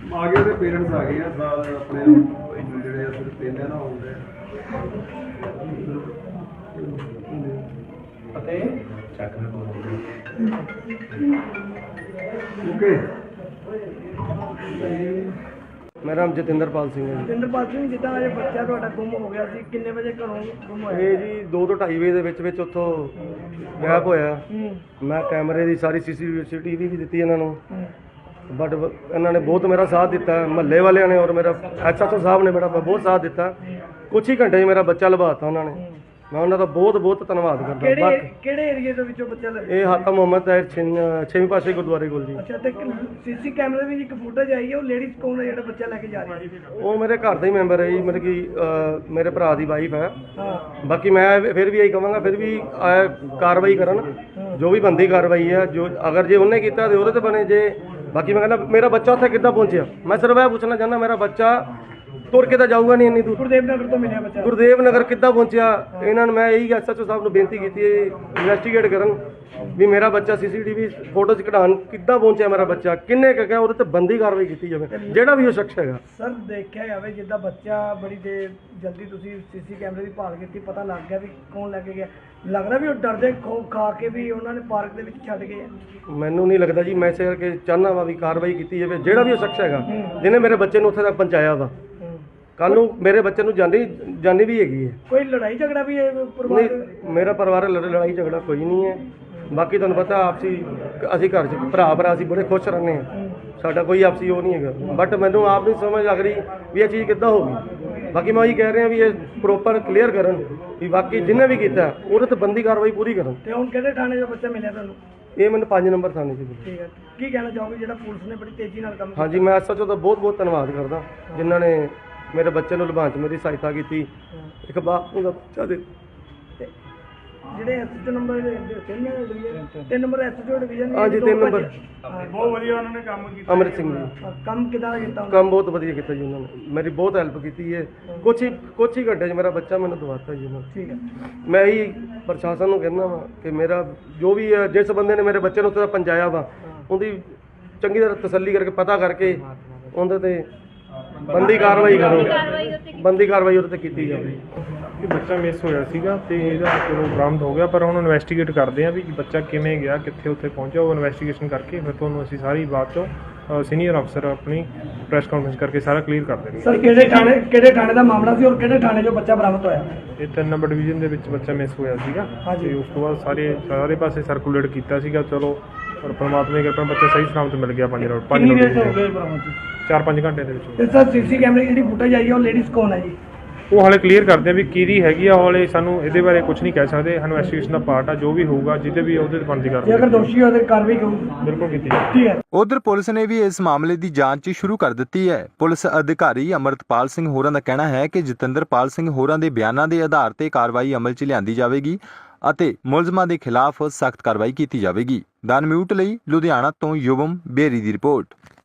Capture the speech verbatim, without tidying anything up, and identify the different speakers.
Speaker 1: ਆ ਗਏ ਉਹਦੇ ਪੇਰੈਂਟਸ ਆ ਗਏ ਆ ਸਾਲ ਆਪਣੇ ਜਿਹੜੇ ਆ ਫਿਰ ਤਿੰਨ ਆ ਨਾ ਹੁੰਦੇ ਅਤੇ ਚੱਕ ਨਾ ਓਕੇ।
Speaker 2: ਮੇਰਾ ਨਾਮ ਜਤਿੰਦਰਪਾਲ ਸਿੰਘ ਹੈ।
Speaker 3: ਜਤਿੰਦਰਪਾਲ ਸਿੰਘ, ਜਿੱਦਾਂ ਅਜੇ ਬੱਚਾ ਤੁਹਾਡਾ ਗੁੰਮ ਹੋ ਗਿਆ ਸੀ, ਕਿੰਨੇ ਵਜੇ ਘਰੋਂ ਗੁੰਮ ਹੋਇਆ?
Speaker 2: ਇਹ ਜੀ ਦੋ ਤੋਂ ਢਾਈ ਵਜੇ ਦੇ ਵਿੱਚ ਵਿੱਚ ਉੱਥੋਂ ਗਾਇਬ ਹੋਇਆ। ਮੈਂ ਕੈਮਰੇ ਦੀ ਸਾਰੀ ਸੀਸੀਟੀਵੀ ਵੀ ਦਿੱਤੀ ਇਹਨਾਂ ਨੂੰ, ਬਟ ਇਹਨਾਂ ਨੇ ਬਹੁਤ ਮੇਰਾ ਸਾਥ ਦਿੱਤਾ, ਮਹੱਲੇ ਵਾਲਿਆਂ ਨੇ ਔਰ ਮੇਰਾ ਐਸ ਐਚ ਓ ਸਾਹਿਬ ਨੇ ਮੇਰਾ ਬਹੁਤ ਸਾਥ ਦਿੱਤਾ। ਕੁਛ ਹੀ ਘੰਟੇ 'ਚ ਮੇਰਾ ਬੱਚਾ ਲੱਭਾਤਾ ਉਹਨਾਂ ਨੇ। ਮੈਂ ਉਹਨਾਂ ਦਾ ਬਹੁਤ ਬਹੁਤ ਧੰਨਵਾਦ ਕਰਦਾ।
Speaker 3: ਕਿਹੜੇ ਕਿਹੜੇ ਏਰੀਏ ਦੇ ਵਿੱਚੋਂ ਬੱਚਾ ਲੱਭਿਆ?
Speaker 2: ਇਹ ਹਾਤਾ ਮੁਹੰਮਦ ਤਾਹਿਰ ਛੇਵੀਂ ਪਾਸੇ ਗੁਰਦੁਆਰੇ ਕੋਲ ਜੀ।
Speaker 3: ਅੱਛਾ, ਤੇ ਸੀਸੀ ਕੈਮਰੇ ਵਿੱਚ ਇੱਕ ਫੁਟੇਜ ਆਈ ਹੈ, ਉਹ ਲੇਡੀਜ਼ ਕੌਣ ਹੈ ਜਿਹੜਾ ਬੱਚਾ ਲੈ ਕੇ ਜਾ ਰਹੀ ਹੈ?
Speaker 2: ਉਹ ਮੇਰੇ ਘਰ ਦਾ ਹੀ ਮੈਂਬਰ ਹੈ ਜੀ, ਮਤਲਬ ਕਿ ਅਹ, ਮੇਰੇ ਭਰਾ ਦੀ ਵਾਈਫ ਹੈ।
Speaker 3: ਹਾਂ,
Speaker 2: ਬਾਕੀ ਮੈਂ ਫਿਰ ਵੀ ਇਹੀ ਕਹਾਂਗਾ, ਫਿਰ ਵੀ ਅਹ, ਕਾਰਵਾਈ ਕਰਨ, ਜੋ ਵੀ ਬੰਦੀ ਕਾਰਵਾਈ ਹੈ। ਜੋ ਅਗਰ ਜੇ ਉਹਨੇ ਕੀਤਾ ਤੇ ਉਹਦੇ ਤੇ ਬਣੇ। ਜੇ ਬਾਕੀ ਮੈਂ ਕਹਿੰਦਾ ਮੇਰਾ ਬੱਚਾ ਉੱਥੇ ਕਿੱਦਾਂ ਪਹੁੰਚਿਆ, ਮੈਂ ਸਿਰਫ ਇਹ ਪੁੱਛਣਾ ਚਾਹੁੰਦਾ, ਮੇਰਾ ਬੱਚਾ ਤੁਰ ਕੇ ਤਾਂ ਜਾਊਗਾ ਨਹੀਂ ਇੰਨੀ ਦੂਰ।
Speaker 3: ਗੁਰਦੇਵ ਨਗਰ ਤੋਂ ਮਿਲਿਆ ਬੱਚਾ।
Speaker 2: ਗੁਰਦੇਵ ਨਗਰ ਕਿੱਦਾਂ ਪਹੁੰਚਿਆ? ਇਹਨਾਂ ਨੂੰ ਮੈਂ ਇਹੀ ਐਸ ਐਚ ਓ ਸਾਹਿਬ ਨੂੰ ਬੇਨਤੀ ਕੀਤੀ ਹੈ, ਇਨਵੈਸਟੀਗੇਟ ਕਰਨ ਵੀ ਮੇਰਾ ਬੱਚਾ ਸੀਸੀਟੀਵੀ ਫੋਟੋਜ਼ ਕਢਾਉਣ ਕਿੱਦਾਂ ਪਹੁੰਚਿਆ, ਮੇਰਾ ਬੱਚਾ ਕਿੰਨੇ ਕੁ ਗਿਆ, ਉਹਦੇ ਤੇ ਬੰਦੀ ਕਾਰਵਾਈ ਕੀਤੀ ਜਾਵੇ, ਜਿਹੜਾ ਵੀ ਉਹ ਸ਼ਖਸ ਹੈਗਾ।
Speaker 3: ਸਰ, ਦੇਖਿਆ ਜਾਵੇ ਜਿੱਦਾਂ ਬੱਚਾ ਬੜੀ ਦੇਰ ਜਲਦੀ ਤੁਸੀਂ ਸੀਸੀ ਕੈਮਰੇ ਦੀ ਭਾਲ ਕੀਤੀ, ਪਤਾ ਲੱਗ ਗਿਆ ਵੀ ਕੌਣ ਲੈ ਕੇ ਗਿਆ, ਲੱਗਦਾ ਵੀ ਉਹ ਡਰਦੇ ਖੋਫ ਖਾ ਕੇ ਵੀ ਉਹਨਾਂ ਨੇ ਪਾਰਕ ਦੇ ਵਿੱਚ ਛੱਡ ਗਏ ਆ?
Speaker 2: ਮੈਨੂੰ ਨਹੀਂ ਲੱਗਦਾ ਜੀ। ਮੈਂ ਇਸੇ ਕਰਕੇ ਚਾਹੁੰਦਾ ਵਾ ਵੀ ਕਾਰਵਾਈ ਕੀਤੀ ਜਾਵੇ, ਜਿਹੜਾ ਵੀ ਉਹ ਸ਼ਖਸ ਹੈਗਾ ਜਿਹਨੇ ਮੇਰੇ ਬੱਚੇ ਨੂੰ ਉੱਥੇ ਤੱਕ ਪਹੁੰਚਾਇਆ ਵਾ। ਕੱਲ ਨੂੰ ਮੇਰੇ ਬੱਚੇ ਨੂੰ ਜਾਨੀ ਜਾਨੀ ਵੀ ਹੈਗੀ ਹੈ।
Speaker 3: ਕੋਈ ਲੜਾਈ ਝਗੜਾ ਵੀ ਹੈ ਪਰਿਵਾਰ?
Speaker 2: ਨਹੀਂ, ਮੇਰਾ ਪਰਿਵਾਰ ਲੜਾਈ ਝਗੜਾ ਕੋਈ ਨਹੀਂ ਹੈ। ਬਾਕੀ ਤੁਹਾਨੂੰ ਪਤਾ ਆਪਸੀ ਅਸੀਂ ਘਰ 'ਚ ਭਰਾ ਭਰਾ ਅਸੀਂ ਬੜੇ ਖੁਸ਼ ਰਹਿੰਦੇ ਹਾਂ, ਸਾਡਾ ਕੋਈ ਆਪਸੀ ਉਹ ਨਹੀਂ ਹੈਗਾ। ਬਟ ਮੈਨੂੰ ਆਪ ਨਹੀਂ ਸਮਝ ਲੱਗ ਰਹੀ ਵੀ ਇਹ ਚੀਜ਼ ਕਿੱਦਾਂ ਹੋ ਗਈ। ਬਾਕੀ ਮੈਂ ਉਹੀ ਕਹਿ ਰਿਹਾ ਵੀ ਇਹ ਪ੍ਰੋਪਰ ਕਲੀਅਰ ਕਰਨ ਵੀ ਬਾਕੀ ਜਿਹਨੇ ਵੀ ਕੀਤਾ ਉਹਦੇ ਤੇ ਬੰਦੀ ਕਾਰਵਾਈ ਪੂਰੀ ਕਰਨ।
Speaker 3: ਤੇ ਹੁਣ ਕਿਹੜੇ ਥਾਣੇ 'ਚੋਂ ਬੱਚਾ ਮਿਲਿਆ ਤੁਹਾਨੂੰ?
Speaker 2: ਇਹ ਮੈਨੂੰ ਪੰਜ ਨੰਬਰ ਥਾਣੇ 'ਚ।
Speaker 3: ਠੀਕ ਹੈ, ਕੀ ਕਹਿਣਾ ਚਾਹੋਗੇ ਜਿਹੜਾ ਪੁਲਿਸ ਨੇ ਬੜੀ ਤੇਜ਼ੀ ਨਾਲ ਕੰਮ ਕੀਤਾ?
Speaker 2: ਹਾਂਜੀ, ਮੈਂ ਐਸ ਐਚ ਓ ਦਾ ਬਹੁਤ ਬਹੁਤ ਧੰਨਵਾਦ ਕਰਦਾ, ਜਿਨ੍ਹਾਂ ਨੇ ਮੇਰੇ ਬੱਚੇ ਨੂੰ ਲਭਾਉਣ 'ਚ ਮੇਰੀ ਸਹਾਇਤਾ ਕੀਤੀ। ਇੱਕ ਬਾਪ ਨੂੰ ਦਾ ਬੱਚਾ ਦੇ
Speaker 3: ਤੇ ਜਿਹੜੇ ਐਸ ਐਚ ਓ ਨੰਬਰ ਤਿੰਨ ਤਿੰਨ number S H O division?
Speaker 2: ਹਾਂਜੀ, ਤਿੰਨ ਨੰਬਰ।
Speaker 1: ਬਹੁਤ ਵਧੀਆ ਉਹਨਾਂ ਨੇ ਕੰਮ ਕੀਤਾ।
Speaker 2: ਅੰਮ੍ਰਿਤ ਸਿੰਘ ਜੀ,
Speaker 3: ਕੰਮ ਕਿੱਦਾਂ ਦਾ ਕੀਤਾ?
Speaker 2: ਕੰਮ ਬਹੁਤ ਵਧੀਆ ਕੀਤਾ ਜੀ ਉਹਨਾਂ ਨੇ, ਮੇਰੀ ਬਹੁਤ ਹੈਲਪ ਕੀਤੀ ਹੈ। ਕੁਛ ਹੀ ਕੁਛ ਹੀ ਘੰਟੇ 'ਚ ਮੇਰਾ ਬੱਚਾ ਮੈਨੂੰ ਦਵਾਤਾ ਜੀ ਉਹਨਾਂ ਨੇ।
Speaker 3: ਠੀਕ ਹੈ,
Speaker 2: ਮੈਂ ਹੀ ਪ੍ਰਸ਼ਾਸਨ ਨੂੰ ਕਹਿੰਦਾ ਵਾ ਕਿ ਮੇਰਾ ਜੋ ਵੀ ਹੈ, ਜਿਸ ਬੰਦੇ ਨੇ ਮੇਰੇ ਬੱਚੇ ਨੂੰ ਉੱਥੇ ਤੱਕ ਪਹੁੰਚਾਇਆ ਵਾ, ਉਹਦੀ ਚੰਗੀ ਤਰ੍ਹਾਂ ਤਸੱਲੀ ਕਰਕੇ ਪਤਾ ਕਰਕੇ ਉਹਦੇ ਤੇ ਬੰਦੀ ਕਾਰਵਾਈ ਕਰੋ, ਬੰਦੀ ਕਾਰਵਾਈ ਉਹਦੇ ਤੇ ਕੀਤੀ ਜਾਵੇ।
Speaker 4: ਇਹ ਬੱਚਾ ਮਿਸ ਹੋਇਆ ਸੀਗਾ ਤੇ ਇਹਦਾ ਚਲੋ ਬਰਾਮਦ ਹੋ ਗਿਆ, ਪਰ ਹੁਣ ਇਨਵੈਸਟੀਗੇਟ ਕਰਦੇ ਆ ਵੀ ਬੱਚਾ ਕਿਵੇਂ ਗਿਆ, ਕਿੱਥੇ ਉੱਥੇ ਪਹੁੰਚਿਆ। ਉਹ ਇਨਵੈਸਟੀਗੇਸ਼ਨ ਕਰਕੇ ਫਿਰ ਤੁਹਾਨੂੰ ਅਸੀਂ ਸਾਰੀ ਬਾਤ ਚੋਂ ਸੀਨੀਅਰ ਅਫਸਰ ਆਪਣੀ ਪ੍ਰੈਸ ਕਾਨਫਰੰਸ ਕਰਕੇ ਸਾਰਾ ਕਲੀਅਰ ਕਰ ਦੇਣਗੇ।
Speaker 3: ਸਰ, ਕਿਹੜੇ ਥਾਣੇ ਕਿਹੜੇ ਥਾਣੇ ਦਾ ਮਾਮਲਾ ਸੀ ਔਰ ਕਿਹੜੇ ਥਾਣੇ 'ਚੋਂ ਬੱਚਾ ਬਰਾਮਦ ਹੋਇਆ?
Speaker 4: ਇਹ ਤਿੰਨ ਨੰਬਰ ਡਿਵੀਜ਼ਨ ਦੇ ਵਿੱਚ ਬੱਚਾ ਮਿਸ ਹੋਇਆ ਸੀਗਾ।
Speaker 3: ਹਾਂਜੀ।
Speaker 4: ਤੇ ਉਸ ਤੋਂ ਬਾਅਦ ਸਾਰੇ ਸਾਰੇ ਪਾਸੇ ਸਰਕੂਲੇਟ ਕੀਤਾ ਸੀਗਾ। ਚਲੋ ਪਰ ਪਰਮਾਤਮਾ ਦੀ ਕਿਰਪਾ ਨਾਲ ਬੱਚਾ ਸਹੀ ਸਲਾਮਤ ਮਿਲ ਗਿਆ। ਪੰਜ ਰੋਡ ਪੰਜ
Speaker 3: ਕਿੰਨੀ
Speaker 4: ਰੋਡ
Speaker 3: ਦੇਰ 'ਚ ਹੋ ਗਏ ਬਰਾਮਦ ਜੀ?
Speaker 4: ਚਾਰ ਪੰਜ ਘੰਟੇ ਦੇ ਵਿੱਚ।
Speaker 3: ਤੇ ਸਰ, ਸੀਸੀ ਕੈਮਰੇ ਦੀ ਜਿਹੜੀ ਫੁਟੇਜ ਆਈ ਹੈ ਉਹ ਲੇਡੀਜ਼ ਕੌਣ ਹੈ ਜੀ?
Speaker 4: ਉਹ ਹਾਲੇ ਕਲੀਅਰ ਕਰਦੇ ਆ ਵੀ ਕਿਹਦੀ ਹੈਗੀ ਆ। ਹਾਲੇ ਸਾਨੂੰ ਇਹਦੇ ਬਾਰੇ ਕੁਝ ਨਹੀਂ ਕਹਿ ਸਕਦੇ। ਇਨਵੈਸਟੀਗੇਸ਼ਨ ਦਾ ਪਾਰਟ ਆ, ਜੋ ਵੀ ਹੋਊਗਾ ਜਿਹਦੇ ਵੀ ਉਹਦੇ ਤੇ ਬਣਦੀ
Speaker 3: ਜੇ
Speaker 4: ਕਰਦੇ
Speaker 3: ਅਗਰ ਦੋਸ਼ੀ ਹੋਵੇ ਤਾਂ ਕਾਰਵਾਈ ਕਰੂਗੀ।
Speaker 4: ਬਿਲਕੁਲ ਕੀਤੀ ਜਾਵੇ।
Speaker 3: ਠੀਕ ਹੈ।
Speaker 5: ਉਧਰ ਪੁਲਿਸ ਨੇ ਵੀ ਇਸ ਮਾਮਲੇ ਦੀ ਜਾਂਚ ਸ਼ੁਰੂ ਕਰ ਦਿੱਤੀ ਹੈ। ਪੁਲਿਸ ਅਧਿਕਾਰੀ ਅਮਰਤਪਾਲ ਸਿੰਘ ਹੋਰਾਂ ਦਾ ਕਹਿਣਾ ਹੈ ਕਿ ਜਤਿੰਦਰਪਾਲ ਸਿੰਘ ਹੋਰਾਂ ਦੇ ਬਿਆਨਾਂ ਦੇ ਆਧਾਰ ਤੇ ਕਾਰਵਾਈ ਅਮਲ 'ਚ ਲਿਆਂਦੀ ਜਾਵੇਗੀ ਅਤੇ ਮੁਲਜ਼ਮਾਂ ਦੇ ਖਿਲਾਫ ਸਖਤ ਕਾਰਵਾਈ ਕੀਤੀ ਜਾਵੇਗੀ। ਦਨ ਮਿਊਟ ਲਈ ਲੁਧਿਆਣਾ ਤੋਂ ਯੁਵਮ ਬੇਰੀ ਦੀ ਰਿਪੋਰਟ।